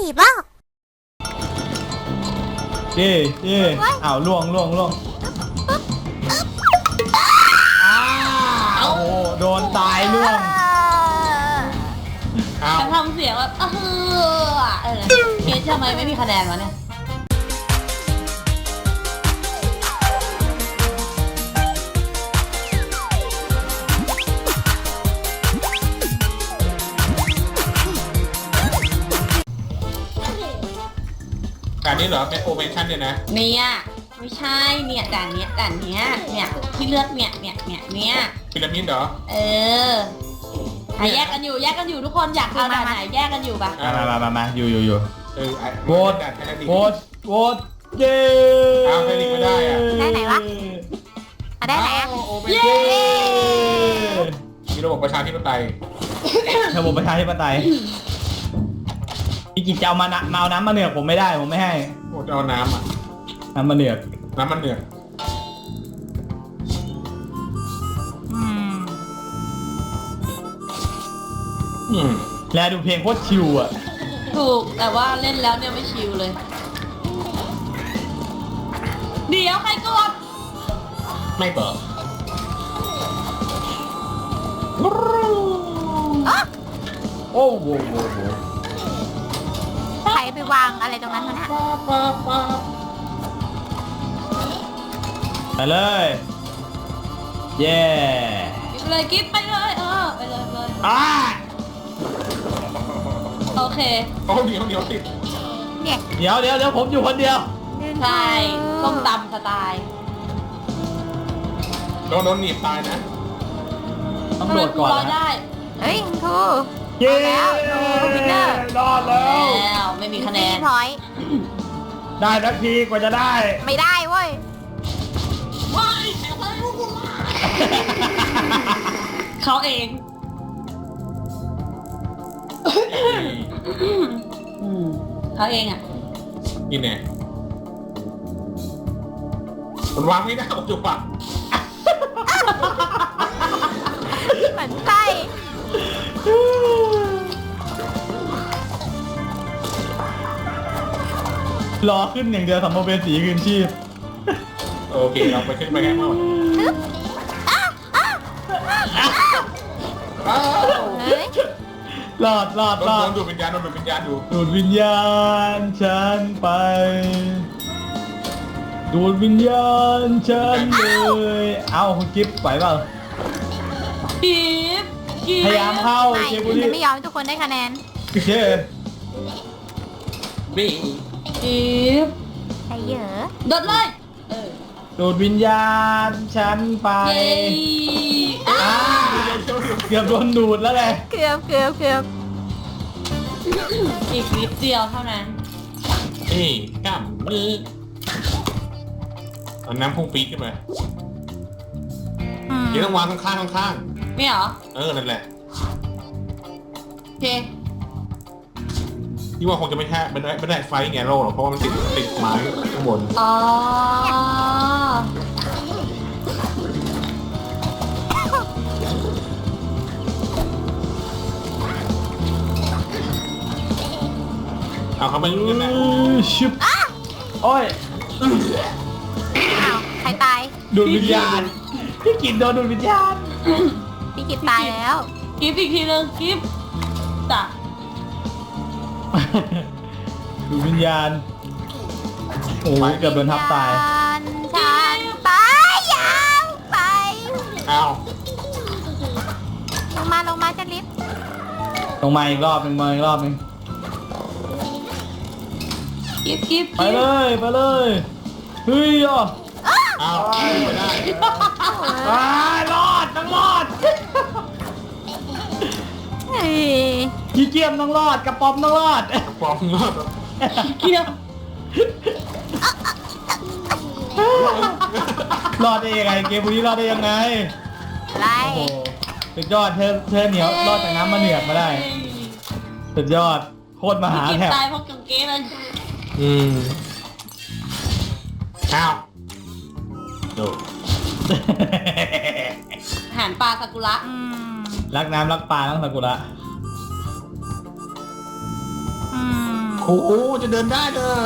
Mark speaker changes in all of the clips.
Speaker 1: บอ่ะ
Speaker 2: เย่อ้าวล่วงอ้าวโดนตายล่วง
Speaker 3: ฉันทำเสียงแบบเกมทำไมไม่มีคะแนนวะเนี่ย
Speaker 4: การนี้เหรอเป็นโอเมชั่นเนี่ยนะ
Speaker 3: เนี่ยไม่ใช่เนี่ยด่านเนี้ยเนี่ยที่เลือกเนี่ย
Speaker 4: พีระมิดเหรอ
Speaker 3: แยกกันอยู่ทุกคนอยากเอาด่านไหนแยกกันอยู่ปะ
Speaker 2: มาอยู่โหวตเย้
Speaker 4: เอาใครหลีกไม่ได้อะ
Speaker 1: ได้ไหนวะได้ไหนอ่ะ
Speaker 3: เย้
Speaker 4: มีระบบประชาธิปไตย
Speaker 2: พี่กิจจะเอาเอาน้ำมาเหนือกผมไม่ได้ผมไม่ให้
Speaker 4: โอ้จะเอาน้ำอ่ะ
Speaker 2: น้ำมาเหนือกแล้วดูเพลงโคตรชิวอ่ะ
Speaker 3: ถูกแต่ว่าเล่นแล้วเนี่ยไม่ชิวเลยเดี๋ยวใครกด
Speaker 4: ไม่เปิด
Speaker 2: โอ้โห
Speaker 1: ใครไปวางอะไรตรงนั้นวะเนี่ย
Speaker 2: ไปเลยเย้
Speaker 3: กิ๊บไปเลยไปเลยโอเค
Speaker 4: โอ้เดี๋ยวติด
Speaker 1: เนี่ย
Speaker 2: เดี๋ยวผมอยู่คนเดียว
Speaker 3: ใช่ส้มตำสไตล์
Speaker 4: โดนหนีบตายนะ
Speaker 2: ต้องโดดก่อนนะ
Speaker 3: ได้
Speaker 1: เฮ้ยทู
Speaker 2: เย้
Speaker 1: แล้ววินเนอร์
Speaker 2: รอด
Speaker 3: แล้วไม่มีคะแนน
Speaker 1: พอย
Speaker 2: ได้สักทีกว่าจะได้
Speaker 1: ไม่ได้เว้ย
Speaker 3: เขาเองเขาเองอ่ะ
Speaker 4: นี่แน่มันวางไม่ได้จุ๊บปะ
Speaker 1: เหมือนไส้
Speaker 2: รอขึ้นอย่างเดียวสัมภเวสีคืนชีพ
Speaker 4: โอเคเราไปขึ้นไปกันเมื่อ
Speaker 2: รอด
Speaker 4: ดูดวิญญาณดู
Speaker 2: ดูดวิญญาณฉันไปดูดวิญญาณฉันเลยเอาคุณกิ๊บไหวเปล่า
Speaker 3: กิ๊บ
Speaker 2: พยายามเข้า
Speaker 1: เชฟบุรีไม่ยอมทุกคนได้คะแนน
Speaker 2: เชฟ
Speaker 4: บิ๊
Speaker 3: บ
Speaker 1: ไอ้เยอะ
Speaker 3: โดดเลย
Speaker 2: ดูดวิญญาณฉันไปเกือบโดนดูดแล้วไง
Speaker 1: เกือบ
Speaker 3: อีกนิดเดียวเท่านั้น
Speaker 4: นี่กล้ามมือเอาน้ำพุ่งปี๊ดขึ้นมาเดี๋ยวต้องวางข้าง
Speaker 3: ไม่เหรอ
Speaker 4: นั่นแหละ
Speaker 3: โอเค
Speaker 4: ที่ว่าคงจะไม่ได้ไฟแง่โลหรอกเพราะว่ามันติดไม้ข้างบนเอาเขาไปรู้กันนะ
Speaker 2: ชิบโอ้ย
Speaker 1: ใครตาย
Speaker 2: ดูดวิญญาณพี่กินโดนดูดวิญญาณ
Speaker 1: พี่กินตายแล้ว
Speaker 3: กิ๊บอีกทีนึงกิ๊บจ้ะ
Speaker 2: ดูดวิญญาณโอ้ยเกือบโดนทับตาย
Speaker 1: ฉันตายยังไป
Speaker 4: เอา
Speaker 1: ลงมาจะลิฟต์
Speaker 2: ลงมาอีกรอบหนึ่ง
Speaker 3: กิ๊บ
Speaker 2: ไปเลยเฮ้ย
Speaker 4: เอาไม่ได้
Speaker 2: รอดต้องรอดพี่เกียมต้องรอดกระป๋อมต้องรอด
Speaker 3: เกียม
Speaker 2: รอดได้ยังไงเกมบุรีรอดได้ยังไง
Speaker 1: ไร
Speaker 2: สุดยอดเธอเหนียวรอดจากน้ำมาเหนือกมาได้สุดยอดโคตรมหาแถบ
Speaker 3: ตายเพราะกังเกงเลย
Speaker 4: อ้าวดู
Speaker 3: อาหารปลาซากุระ
Speaker 2: รักน้ำรักปลาต้องซากุระ
Speaker 4: คโอ้โหจะเดินได้เด้อ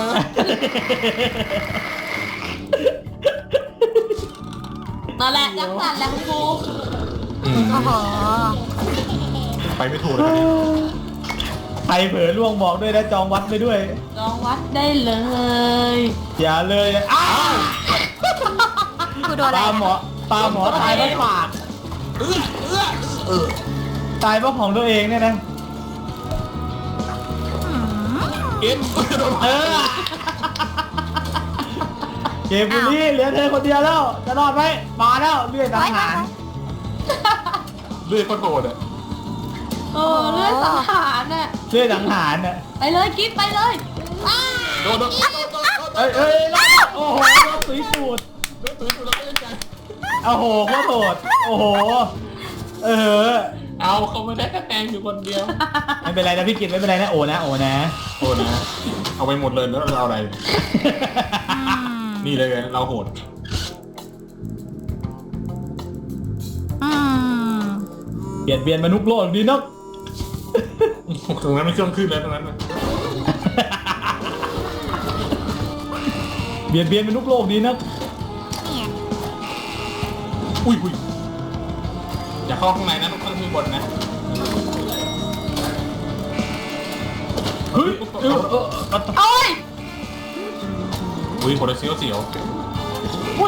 Speaker 3: นั่นแหละจังสันแหละคุณครู
Speaker 1: โอ้โห
Speaker 4: ไปไม่ถูกเลยครับเนี่ย
Speaker 2: ใครเผลอล่วงบอกด้วยนะจองวัดไปด้วย
Speaker 3: ลองวัดได้เลย
Speaker 2: อย่าเลยอ้าว
Speaker 1: กูโดนอะไร
Speaker 2: ตาหมอตายเพราะปาก
Speaker 4: เออ
Speaker 2: ตายเพราะของตัวเองเนี่ยนะ
Speaker 1: อืม
Speaker 4: เอ็มโดน
Speaker 2: เออเกมบุรีเหลือเธอคนเดียวแล้วจะรอดไหมมาแล้วเลื่อยสังหาร
Speaker 4: เลื่อยโคตรโหดอ่ะ
Speaker 3: โอ้เลือดสังหารน่ะ
Speaker 2: เลื่อยสังหารน่ะ
Speaker 3: ไปเลยกิ๊บไปเลยอ้า
Speaker 4: โดน
Speaker 2: เอ้ยโอ้โหโดนสุยสูด
Speaker 4: แล้วก็ยังไง
Speaker 2: โอ้โหโคตรโหดโอ้โหเออ
Speaker 4: เอาเขาไม่ได้คะแนนอยู่คนเดียว
Speaker 2: ไม่เป็นไรนะพี่กิตไม่เป็นไรนะโอนะ
Speaker 4: โอ้นะเอาไปหมดเลยแล้วเราเอาอะไร
Speaker 1: อืม
Speaker 4: นี่เลยเราโหด
Speaker 1: อืม
Speaker 2: เปลี่ยนเบียนมนุษย์โลกดีนัก
Speaker 4: ตรงนั้นไม่เครื่องขึ้นแล้วตรงนั้น
Speaker 2: เบียนมนุษย์โลกดีนัก
Speaker 1: เนี่ย
Speaker 4: อุ้ยอย่าเข้าข้างในนะต้องเข้าข้างบนนะ
Speaker 2: เฮ้ย
Speaker 3: โอ้ย
Speaker 4: อุ้ยโหดเสียว
Speaker 2: อุ้ย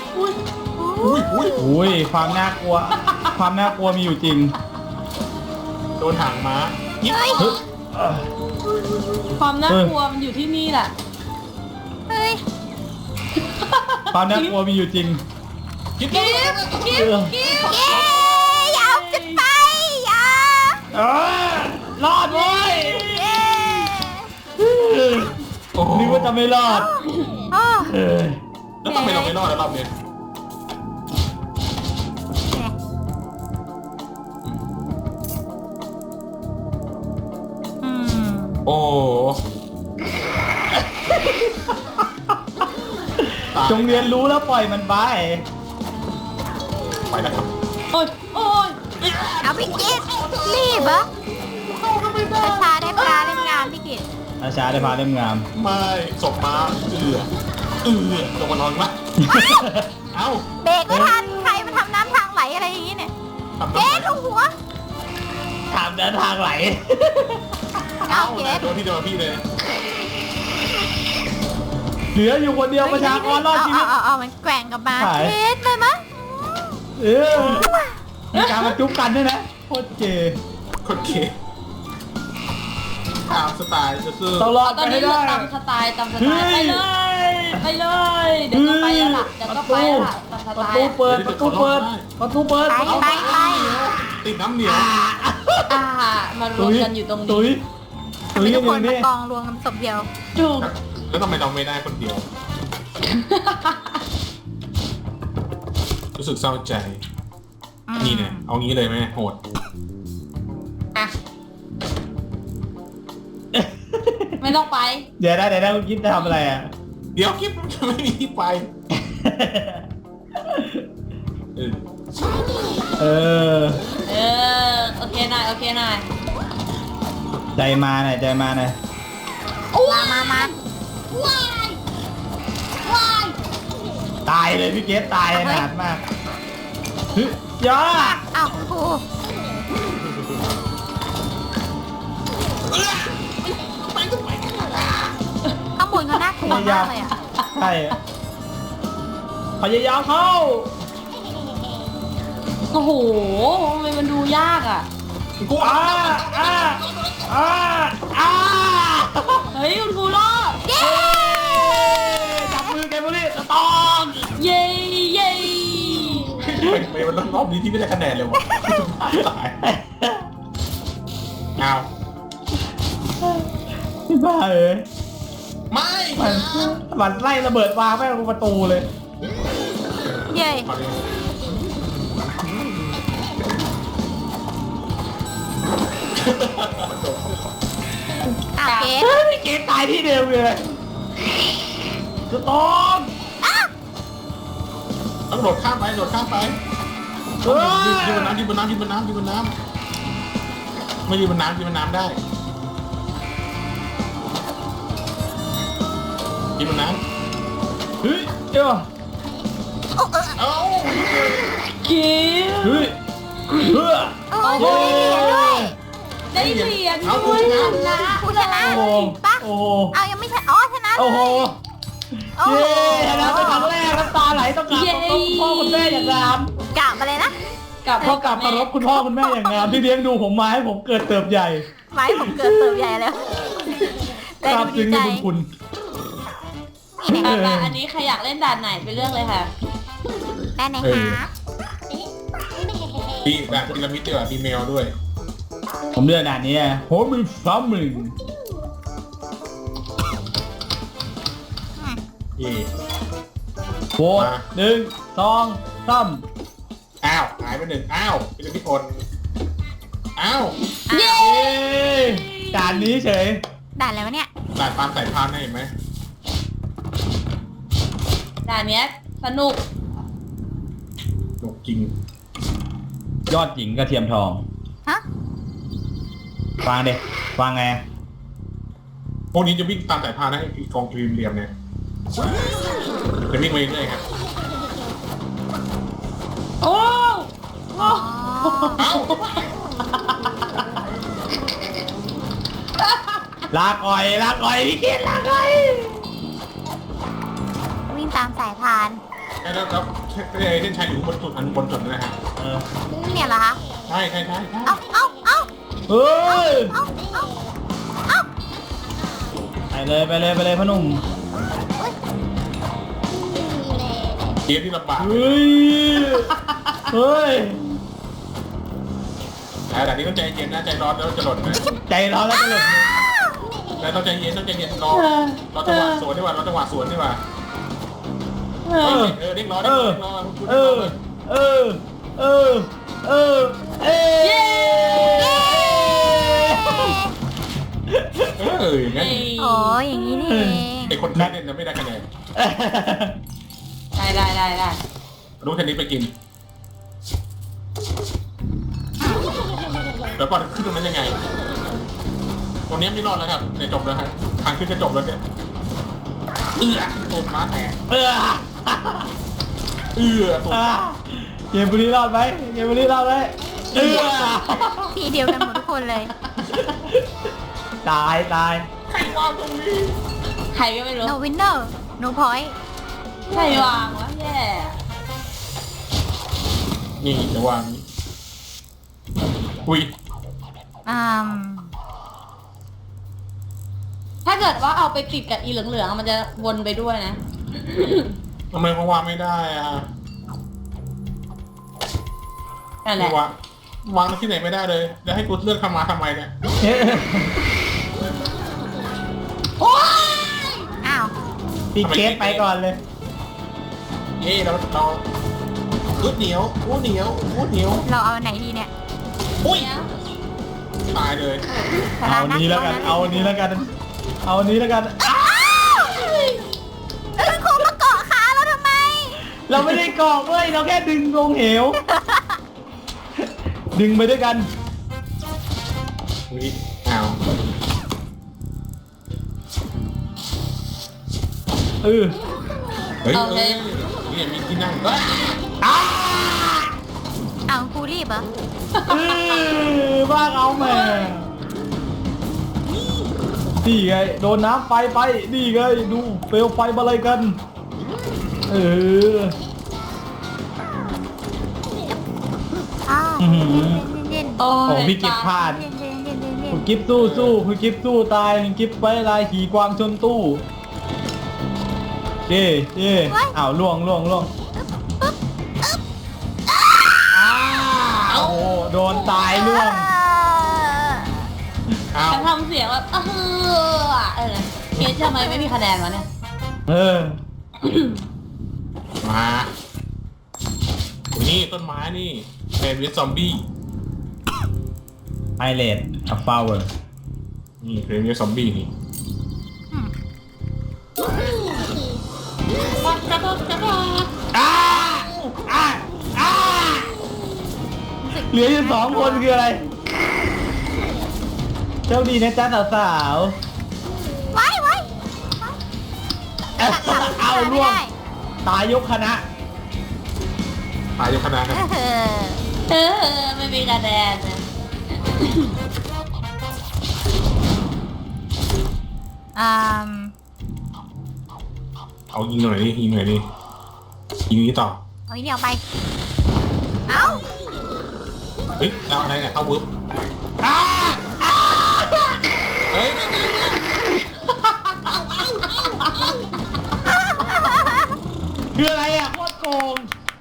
Speaker 4: อุ้ย
Speaker 2: ความน่ากลัว ความน่ากลัวมีอยู่จริง
Speaker 4: โดนหางม้ายิบ
Speaker 2: เฮ้ย
Speaker 3: ความน่ากลัวมันอยู่ที่นี่แหละ
Speaker 1: เฮ้ย
Speaker 2: ความน่ากลัวมีอยู่จริง
Speaker 4: ยิบ
Speaker 3: กิ๊บกิ๊บกิ๊บ
Speaker 1: เย้อยาวจะไปอยา
Speaker 2: เออรอดเว้ย
Speaker 1: เย้
Speaker 4: โอ้โห
Speaker 2: นึกว่าจะไม่รอด
Speaker 1: โอ้
Speaker 2: เออ
Speaker 4: แล้วทำไมเราไม่รอดแล้วรอบนี้
Speaker 1: อืม
Speaker 4: โอ้
Speaker 2: จงเรียนรู้แล้วปล่อยมันไป
Speaker 4: ไปแล้วครับ
Speaker 3: โอ้ยโอ้ย
Speaker 1: เอาพี่กิตรีบเหรอช้าได้ปลาเล่มงามพี่กิต
Speaker 2: อาชาได้พาเล่มงาม
Speaker 4: ไม่ศพม้าลงมานอนวะเอ้า
Speaker 1: เบรกไม่ทันใครมาทำน้ำทางไหลอะไรอย่างนี้เนี่ย
Speaker 4: ทำ
Speaker 1: เก
Speaker 4: ไม
Speaker 1: ตลงหัว
Speaker 2: ถามเดินทางไหล
Speaker 1: เอาเกต
Speaker 4: โดนพี่เลย
Speaker 2: เหลืออยู่คนเดียวประชากรรอดชีวิต
Speaker 1: เอามันแกว่งกลับมา
Speaker 2: หาย
Speaker 1: เกตเลยมั้ย
Speaker 2: เออมีการมาจุ๊บกันด้วยนะโคตรเก๋
Speaker 4: คนเก๋ตามสไตล์ซื่อ
Speaker 2: ต้องรอด
Speaker 3: ตอน
Speaker 2: ไป
Speaker 3: นี้
Speaker 2: ให้
Speaker 3: เรา
Speaker 2: ได้
Speaker 3: ตามสไตล์ไปเลยไปเลย เดี๋ยวก็ไปแล้วล่ะเดี๋ยวก็ไปแล้วล่ะตามส
Speaker 2: ประ
Speaker 3: ไต
Speaker 2: ตู
Speaker 3: ล์
Speaker 2: เปิดประตูเปิดประตูเปิด
Speaker 1: ไป
Speaker 4: ๆติดน้ำเหนียว
Speaker 3: อ่ามารวมกันอยู่ตรง
Speaker 2: ตุย
Speaker 3: นี้
Speaker 1: ทำไมทุกคน
Speaker 2: อยู่
Speaker 1: มา
Speaker 2: นี่
Speaker 1: กองรวมกันศพเดียว
Speaker 3: ถูก
Speaker 4: แล้วทำไมเราไม่ได้คนเดียว รู้สึกเศร้าใจ นี่เนี่ยเอางี้เลยไหมโหด
Speaker 3: อ่ะไม่ต้องไป
Speaker 2: เดี๋ยวได้คุณคิดจะทำอะไรอ่ะ
Speaker 4: เดี๋ยวคลิปมันจะไม่มีที่ไปเออ
Speaker 2: เออ
Speaker 3: เออโอเคหน่อยโอเคหน่อย
Speaker 2: ใจมาหน่อยใจมาหน่อย
Speaker 1: มา
Speaker 3: ว้ายว้าย
Speaker 2: ตายเลยพี่เกสตายขนาดมากเฮ้ยยา
Speaker 1: อ้าวคุณครู ข้างบนเขาน่ากลัวมากเลยอ่ะ
Speaker 2: ใช่พยายามเข้า
Speaker 3: โอ้โหทำไมมันดูยากอ่ะ
Speaker 4: กู
Speaker 2: อ้าอ้าอ้าอ้า
Speaker 3: เฮ้ยคุณครูรอด
Speaker 1: เย้
Speaker 2: จับมือแกบุรีตอง
Speaker 3: เย้เย้
Speaker 4: ไม่มันรอบนี้ที่ไม่ได้คะแนนเลยวะตายเอา
Speaker 2: พี่บ้าเอ้ย
Speaker 4: ไม่
Speaker 2: มันไล่ระเบิดวางแม่งลงประตูเลย
Speaker 1: เย้อ้าวเกต
Speaker 2: เฮ้ยเกมตายที่เดิมเลยสตอม
Speaker 1: อ้าว
Speaker 4: ต้องโดดข้ามไปโดดข้ามไปยืนบนน้ำยืนบนน้ำยืนบนน้ำยืนบนน้ำไม่ยืนบนน้ำยืนบนน้ำได้กินบนน้
Speaker 2: เฮ้ยเจ้า
Speaker 4: ำเอ้า
Speaker 3: คิว
Speaker 2: เฮ้ยเฮ้ย
Speaker 1: โอ้ยได้เหรียญด้วย
Speaker 3: ได้เหรียญด้วยนะ
Speaker 1: ผู้ชนะ
Speaker 2: โอ้โห
Speaker 1: ปะ
Speaker 2: โอ้โห
Speaker 1: เอายังไม่ใช่อ๋อชนะ
Speaker 2: โอ้โห
Speaker 1: โอ้โห
Speaker 2: เย้ชนะเป็นครั้งแรกน้ำตาไหลต้องกราบคุณพ่อคุณแม่อย่างงาม
Speaker 1: กลับมาเลยนะ
Speaker 3: กลับ
Speaker 2: ต้องกราบเคารพคุณพ่อคุณแม่อย่างงามที่เลี้ยงดูผมมาให้ผมเกิดเติบใหญ่
Speaker 1: ไว้ผมเกิดเติบใหญ่แล้ว
Speaker 2: ทราบซึ้งในบุญคุณ
Speaker 1: นี่เนี่ย
Speaker 3: อันนี้ใครอยากเล่นด่านไหนไปเลือกเลยค่ะ
Speaker 1: ได้ไหนคะ
Speaker 4: ดีแบบพีระมิดด้วยมีแมวด้วย
Speaker 2: ผมเลือกด่านนี้โฮมิฟ้ามึง
Speaker 4: นี่
Speaker 2: โหวต1 2 3
Speaker 4: อ้าวหายไปหนึ่งอ้าวพีระมิดคนอ้าว
Speaker 3: เย้
Speaker 2: เย้ด่านนี้เฉย
Speaker 1: ด่านอะไรวะเนี่ย
Speaker 4: สายพานสายพานนะเห็นไหม
Speaker 3: ด่านเนี้ยสนุก
Speaker 4: หนกจริง
Speaker 2: ยอดหญิงกระเทียมทอง
Speaker 1: ฮะ
Speaker 2: ฟังเด็ฟังไง
Speaker 4: พวกนี้จะวิ่งตามสายพานนะไอ้กองกรีมเหลี่ยมเนี่ยจะวิ่งไปเรื่อยๆครับ
Speaker 3: โอ้โอ้
Speaker 4: เอ้า
Speaker 2: ลาก่อยพี่เกดลาก่อย
Speaker 1: วิ่งตามสายพาน
Speaker 4: แล้วเส้นชัยอยู่บนจุดอันบนจุดนะฮะ
Speaker 2: เออ
Speaker 1: เนี่ยเหรอคะ
Speaker 4: ใช่
Speaker 1: เอาเอาเอา
Speaker 2: เฮ้ย
Speaker 1: เอาเอาเอา
Speaker 2: ไปเลยพ่อหนุ่ม
Speaker 4: เกมที่ลำบาก
Speaker 2: เฮ้ยเฮ้ย
Speaker 4: แต่นี้ต้องใจเย็นนะใจร้อนแล้วจะหล่นนะ
Speaker 2: ใจร้อนแล้วจะหลุด
Speaker 4: แล้วต้องใจเย็นรอจังหวะสวนดีกว่ารอจังหวะสวนดีกว่า
Speaker 3: เอ
Speaker 4: เอ
Speaker 3: อ
Speaker 4: อเรียกรอ
Speaker 2: เออเออเออเออเออเอ
Speaker 3: เย้
Speaker 4: อย่างนั้น
Speaker 1: โอ้ยอย่างนี้นี่เอง
Speaker 4: ไอคนแพ้เนี่ยจะไม่ได้คะแนน
Speaker 3: ได้
Speaker 4: รู้เทนนิสไปกินแล้วก่อนขึ้นตรงนั้นยังไงตรงนี้ไม่รอดแล้วครับเนี่ยจบแล้วครับทางขึ้นจะจบแล้วเนี่ยตูดม้าแตก
Speaker 2: เออ
Speaker 4: ตูด
Speaker 2: เกมบุรีรอดไหมเกมบุรีรอดไหมเออ
Speaker 1: ทีเดียวกันหมดทุกคนเลย
Speaker 2: ตาย
Speaker 4: ใครวางตรงนี้
Speaker 3: ใครก็ไม่รู้
Speaker 1: no winner no point
Speaker 3: ใครวางวะแย่
Speaker 4: นี่จะวางอุ้ย
Speaker 1: อืม
Speaker 3: ถ้าเกิดว่าเอาไปติดกับอีเหลืองๆมันจะวนไปด้วยนะ
Speaker 4: ทำไมเขาวางไม่ได้อ่ะ
Speaker 3: นั่นแหละ
Speaker 4: วางที่ไหนไม่ได้เลยแล้วให้กูเลือกทำมาทำไมเนี่ย
Speaker 3: โอ้ย
Speaker 1: อ้าว
Speaker 2: พี่เกตไปก่อนเลย
Speaker 4: เราอึดเหนียวอู้เหนียว
Speaker 1: เราเอาอันไหนดีเนี่ย
Speaker 4: อุ้ย
Speaker 3: เนี่ย
Speaker 4: ตายเลย
Speaker 2: เอานี้แล้วกันเอานี้แล้วกันเอานี้แล้วกัน
Speaker 1: อ้าวครูมาเกาะขาเราทำไม
Speaker 2: เราไม่ได้กรอกเว้ยเราแค่ดึงลงเหว ดึงไปด้วยกัน
Speaker 4: อุ้ยอ้าว
Speaker 2: เออ
Speaker 4: เฮ้ยนี่มีที่นั่ง
Speaker 2: อ้า
Speaker 1: เอาครูรีบเหรอ
Speaker 2: บ้าเอาแม่นี่ไงโดนน้ำไฟไปนี่ไงดูเปลวไฟมาอะไรกันเออ
Speaker 1: อ้าว
Speaker 2: อื้อหือ
Speaker 1: เย็น
Speaker 3: โอ้
Speaker 2: โอ้
Speaker 3: ย
Speaker 2: พี่กิฟพลาด
Speaker 1: เย็นเย็นเย็นเย็นเย็น
Speaker 2: คุณกิฟสู้คุณกิฟสู้ตายคุณกิฟไปลายขี่กวางชนตู้เย่อ้าวล่วงอ้าวโอ้โดนตายล่วง
Speaker 4: อ้าว
Speaker 3: ฉันทำเสียงแบบเกรซทำไมไม่มีคะแนนวะเนี่ย
Speaker 2: เออ
Speaker 4: มานี่ต้นไม้นี่เป็นวิซอมบี้
Speaker 2: ไอเลดอัฟฟาวเวอร์
Speaker 4: นี่เป็นวิซอมบี้นี่
Speaker 2: เหลืออยู่2 คนคืออะไรโชคดีนะจ๊ะสาว
Speaker 1: ไว้ไว้
Speaker 2: ๆเอา
Speaker 1: ไม่
Speaker 2: ล่วง
Speaker 1: ได้
Speaker 2: ตายยกคณะ
Speaker 4: ตายยกคณะกัน
Speaker 3: ไม่มีคะแนนนะ
Speaker 1: อืม
Speaker 4: เอายิงหน่อยดิยิงหน่อยดิยิงนี้ต่อ
Speaker 1: เอาอีกเดียวไป เอ้า
Speaker 4: เฮ้ยเอาอะไรเนี่ยเข้าปุ๊บเฮ้ย
Speaker 2: คืออะไรอ่ะโคตรโกง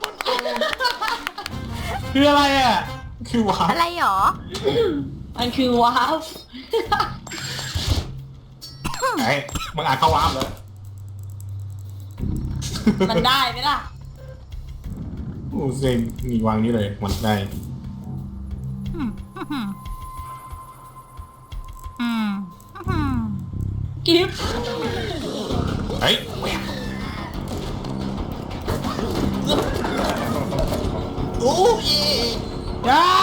Speaker 2: คืออะไรอ่ะ
Speaker 4: คือว้า
Speaker 1: อะไรหรอ
Speaker 3: มันคือว้าว
Speaker 4: ไอ้มึงอ่านเข้าวาร์ปเลย
Speaker 3: มันได้ไหมล่ะ
Speaker 4: โอ้เซ็งมีวางนี้เลยมันได้
Speaker 1: อืมอืมอืมอืม
Speaker 3: กิฟต์
Speaker 4: เฮ้ยโอ้ย
Speaker 2: อ้า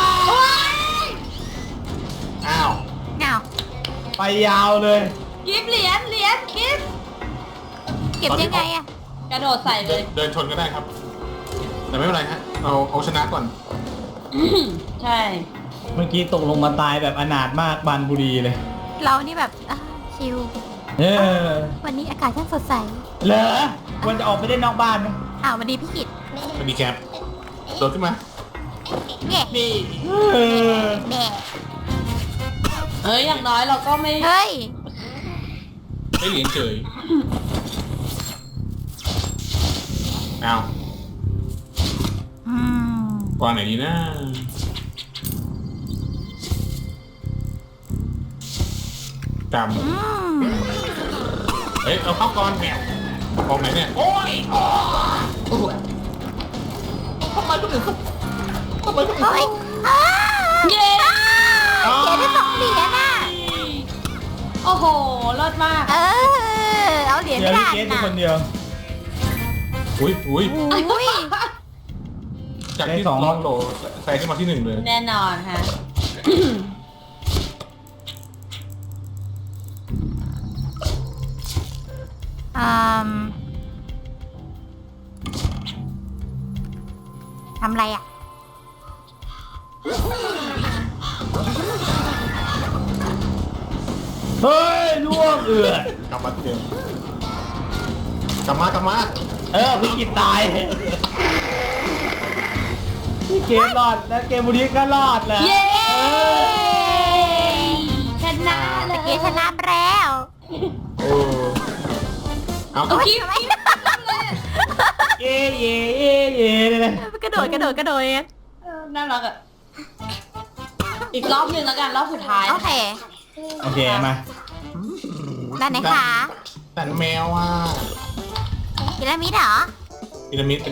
Speaker 4: อ้าว
Speaker 1: เงา
Speaker 2: ไปยาวเลย
Speaker 3: กิฟต์เหรียญกิฟต์
Speaker 1: เก็บยังไงอะ
Speaker 3: กระโดดใส่เลย
Speaker 4: เดินชนก็ได้ครับ แต่ไม่เป็นไรฮะเอาชนะก่อน
Speaker 3: ใช่
Speaker 2: เมื่อกี้ตกลงมาตายแบบอนาถมากบานบุรีเลย
Speaker 1: เรานี่แบบชิล
Speaker 2: เออ
Speaker 1: วันนี้อากาศช่างสดใส
Speaker 2: เหรอควรจะออกไปเล่นนอกบ้านไหม
Speaker 1: วันนี้พี่กิต
Speaker 4: มันมีแคปโดดขึ้นมา
Speaker 1: แง่
Speaker 4: นี่
Speaker 2: เออ
Speaker 1: แง่
Speaker 3: อย่างน้อยเราก็ไม่
Speaker 1: เฮ้ย
Speaker 4: ได้เหรียญเฉยเอา
Speaker 1: อืม
Speaker 4: วางไหนดีนะจ
Speaker 1: อืม
Speaker 4: ำเฮ้ยเอาเข้าก่อนแมวกองไหนเนี่ยโอ้ยทำไมคนอื่นเขาทำไมคนอื่น
Speaker 1: เฮ้ย
Speaker 4: เขา
Speaker 3: เย้
Speaker 1: เขียนได้2 เหรียญน่ะ
Speaker 3: โอ้โหรอดมาก
Speaker 1: เอาเหรียญ
Speaker 2: เดี๋ยว
Speaker 1: ไม่
Speaker 2: พี่
Speaker 1: ได้
Speaker 2: เกสเป็น
Speaker 1: น่ะ
Speaker 2: คนเดียว
Speaker 4: อุ้ย
Speaker 1: อุ้ย
Speaker 4: จาก
Speaker 2: ได้
Speaker 4: ที่
Speaker 2: สอง
Speaker 4: ลองโหลใส่ขึ้นมาที่1เลย
Speaker 3: แน่นอนฮะ
Speaker 1: อืมทำอะไรอ่ะ
Speaker 2: เฮ้ยล่วงเอือก
Speaker 4: ลับมาที่เดิมกลับมากลับมา
Speaker 2: พี่กิตตายพี่เกมรอดแล้วเกมบุรีก็รอดแหละ
Speaker 3: เย้ ชนะเล
Speaker 1: เมื่
Speaker 3: ย
Speaker 1: อกี้ชนะไปแล้ว
Speaker 4: โอ้เอา
Speaker 3: เอากิ๊บ
Speaker 1: ทำไม
Speaker 2: เย่เย่เย่เย่เลย
Speaker 1: กระโดดเอง
Speaker 3: น่ารักอ่ะ อีกรอบหนึ่งแล้วกันรอบสุดท้าย
Speaker 1: โอเค
Speaker 2: โอเคมา
Speaker 1: ด้านไหนคะ
Speaker 4: แต่แมวอ่ะ
Speaker 1: พีระมิดเหรอ
Speaker 4: พีระมิด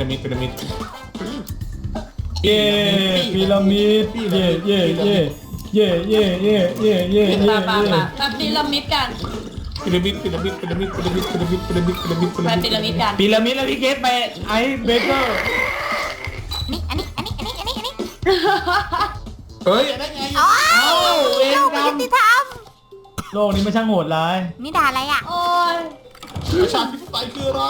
Speaker 2: เย่พีระมิดเย่เย่เย่เย่เย่เย่เย่เย่เย่
Speaker 3: มาแบบพีระมิดกัน
Speaker 4: พีระมิด
Speaker 3: ไปพีระมิดกัน
Speaker 2: พีระมิดแล้วพี่เกสไปไอเบเกอร์
Speaker 1: อันนี้
Speaker 4: เฮ้ยได้ไง
Speaker 1: อ๋อ
Speaker 2: เวร
Speaker 1: โลก
Speaker 2: กร
Speaker 1: ไม่
Speaker 2: ร
Speaker 1: ยุ
Speaker 2: ม
Speaker 1: ติธรรม
Speaker 2: โลกนี้ไม่ช่างโหดร้าย
Speaker 1: นี่ด่าอะไรอ่ะ
Speaker 3: โอ้ย
Speaker 4: ประชาธิปไตยคืออะไร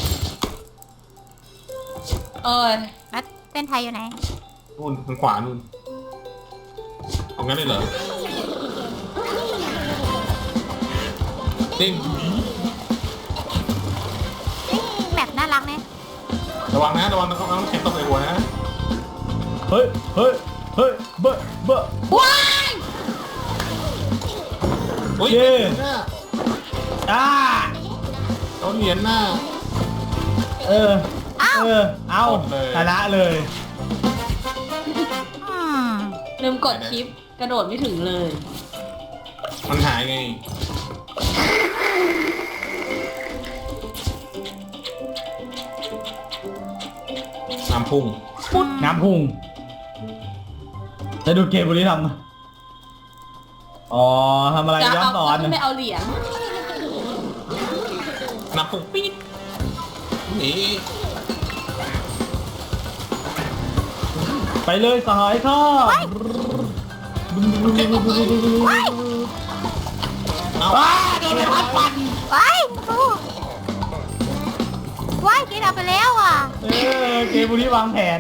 Speaker 3: โอ้ย
Speaker 1: แล้วเส้นไทยอยู่ไหน
Speaker 4: นู่นทางขวานู่นเอางั้นเลยเหรอเด้ง
Speaker 1: แบบน่ารักเนี่ย
Speaker 4: ระวังนะต้องแข็งตกในหัวนะ
Speaker 2: เฮ้ยเฮ้ยเฮ้ยเบอะเบอะ
Speaker 3: ว้าย
Speaker 4: โอ้ย
Speaker 2: เย้
Speaker 4: หน้า
Speaker 2: อ่า
Speaker 4: เอาเหรียญหน้า
Speaker 2: เออเอา
Speaker 4: หมดเลย
Speaker 2: ชนะเลย
Speaker 1: อืม
Speaker 3: ลืมกดชิปกระโดดไม่ถึงเลย
Speaker 4: มันหายไง น้ำพุ่ง
Speaker 2: น้ำพุ่งจะดูเกมบุรีทำอ๋อทำอะไร
Speaker 3: จะ
Speaker 2: ย้อน
Speaker 3: เอา
Speaker 2: สอน
Speaker 3: ไม่เอาเหรียญ
Speaker 4: น้ำพุ่งปี๊ดนี่
Speaker 2: ไปเลยสหายข้า
Speaker 4: เอา
Speaker 2: ว้าโดนไปพัดปั่น
Speaker 1: ไปโอ้ว้ายกินเอาไปแล้วอ่ะ
Speaker 2: เกมบุรีวางแผน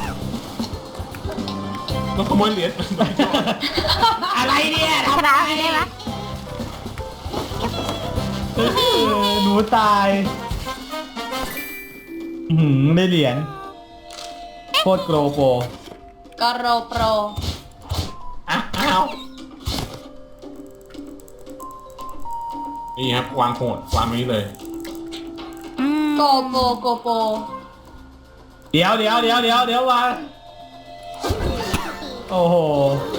Speaker 4: ต้องขโมยเหรียญ
Speaker 2: อะไรเนี่ย
Speaker 1: ชนะไปได้ไหม
Speaker 2: หนูตายได้เหรียญโคตรโกรโป
Speaker 3: กโรโปร
Speaker 4: อ้าวนี่ครับวางโหดวางนี้เลย
Speaker 3: โกโปโกโป
Speaker 2: เดี๋ยววางโอ้โห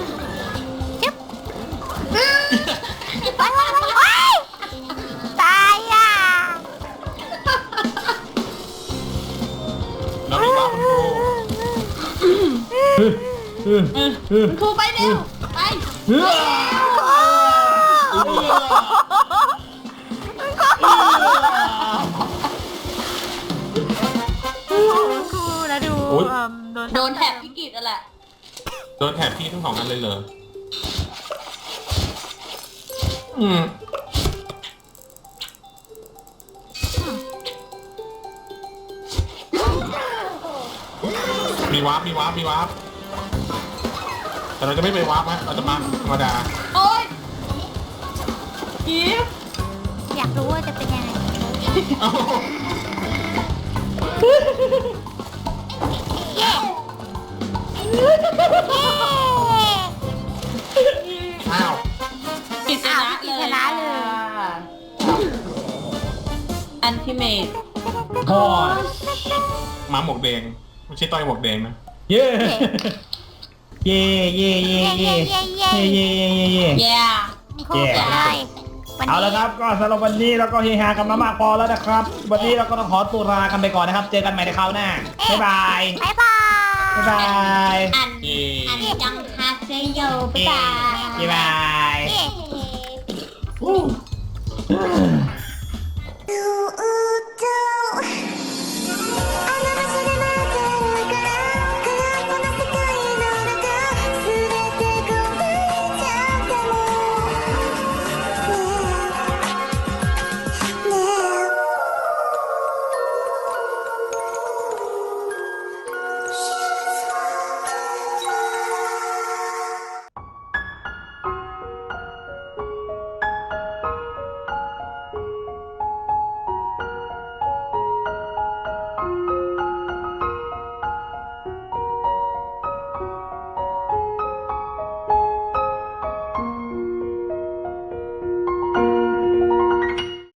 Speaker 1: ว้ายตายอ่ะ
Speaker 4: แล้วมีวางโหด
Speaker 3: คุณครูไปเร็วไป
Speaker 1: ครูแล้วดู
Speaker 3: โดนแถบพิกิตนั่นแหละ
Speaker 4: โดนแถบพี่ทั้งสองนั้นเลยเหรอมีวาร์ปแต่เราจะไม่ไปวาร์ปฮะเราจะมาธรรมดา
Speaker 3: โอ๊ยกิฟ
Speaker 1: อยากรู้ว่าจะเป็นยังไง เย้
Speaker 4: อ้าว
Speaker 3: กิจชนะเลยอันทิเมต
Speaker 2: พอ
Speaker 4: หมาหมวกแดงไม่ใช่ต้อยหมวกแดงนะ
Speaker 2: เย่เย่เย่เย่เย่เย่เย่เย่
Speaker 3: แย่
Speaker 1: ครูไปเลยวัน
Speaker 2: เอา
Speaker 1: นี้
Speaker 2: ละครับก็สำหรับวันนี้เราก็เฮฮากันมามากพอแล้วนะครับ วันนี้เราก็ต้องขอตัวลากันไปก่อนนะครับ เจอกันใหม่ในคราวหน้าบ๊ายบาย
Speaker 1: บ๊ายบาย
Speaker 2: บ๊ายบาย
Speaker 3: อัน
Speaker 4: เย่
Speaker 3: จังฮาเซโยบ๊ายบาย
Speaker 2: บ๊ายบาย